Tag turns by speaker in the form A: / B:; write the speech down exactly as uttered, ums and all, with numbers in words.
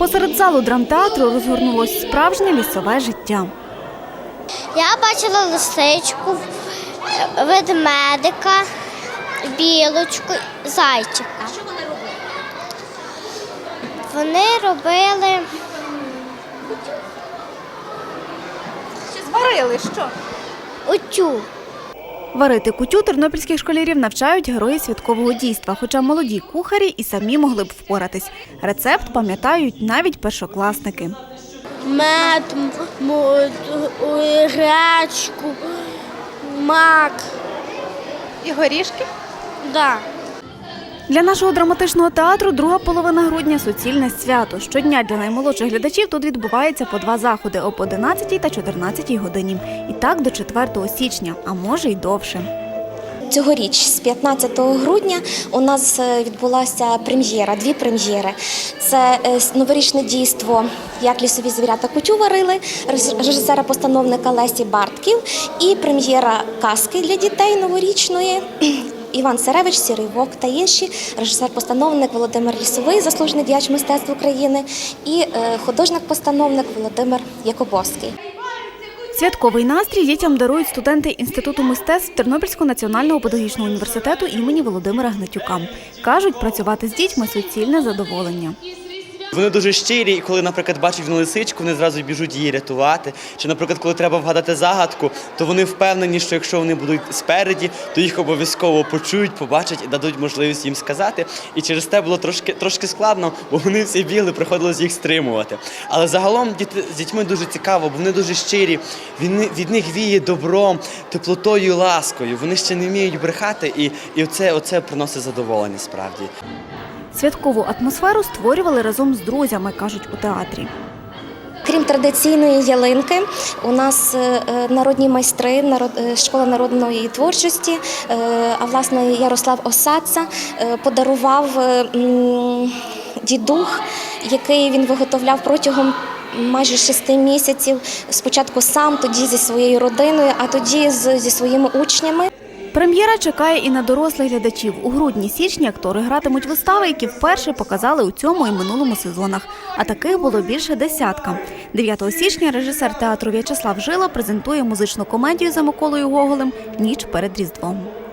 A: Посеред залу драмтеатру розгорнулось справжнє лісове життя.
B: Я бачила лисичку, ведмедика, білочку, зайчика. Що вони робили? Вони робили...
C: Чи зварили що?
B: Утю.
A: Варити кутю тернопільських школярів навчають герої святкового дійства, хоча молоді кухарі і самі могли б впоратись. Рецепт пам'ятають навіть першокласники.
B: Мед, гречку, мак.
C: І горішки?
B: Да.
A: Для нашого драматичного театру друга половина грудня – суцільне свято. Щодня для наймолодших глядачів тут відбувається по два заходи – об одинадцятій та чотирнадцятій годині. І так до четвертого січня, а може й довше.
D: Цьогоріч з п'ятнадцятого грудня у нас відбулася прем'єра, дві прем'єри. Це новорічне дійство «Як лісові звірята кутю варили» режисера-постановника Лесі Бартків і прем'єра казки для дітей новорічної «Іван Царевич, Сірий вовк» та інші, режисер-постановник Володимир Лісовий, заслужений діяч мистецтв України, і художник-постановник Володимир Якубовський.
A: Святковий настрій дітям дарують студенти Інституту мистецтв Тернопільського національного педагогічного університету імені Володимира Гнатюка. Кажуть, працювати з дітьми – суцільне задоволення.
E: Вони дуже щирі, і коли, наприклад, бачать вони лисичку, вони зразу біжуть її рятувати. Чи, наприклад, коли треба вгадати загадку, то вони впевнені, що якщо вони будуть спереді, то їх обов'язково почують, побачать і дадуть можливість їм сказати. І через те було трошки, трошки складно, бо вони всі бігли, приходилось їх стримувати. Але загалом діти, з дітьми дуже цікаво, бо вони дуже щирі, від, від них віє добром, теплотою і ласкою. Вони ще не вміють брехати, і, і оце, оце приносить задоволення справді.
A: Святкову атмосферу створювали разом з друзями, кажуть у театрі.
D: Крім традиційної ялинки, у нас народні майстри, школа народної творчості, а власне Ярослав Осадца подарував дідух, який він виготовляв протягом майже шести місяців. Спочатку сам, тоді зі своєю родиною, а тоді зі своїми учнями.
A: Прем'єра чекає і на дорослих глядачів. У грудні-січні актори гратимуть вистави, які вперше показали у цьому і минулому сезонах. А таких було більше десятка. дев'ятого січня режисер театру В'ячеслав Жила презентує музичну комедію за Миколою Гоголем «Ніч перед Різдвом».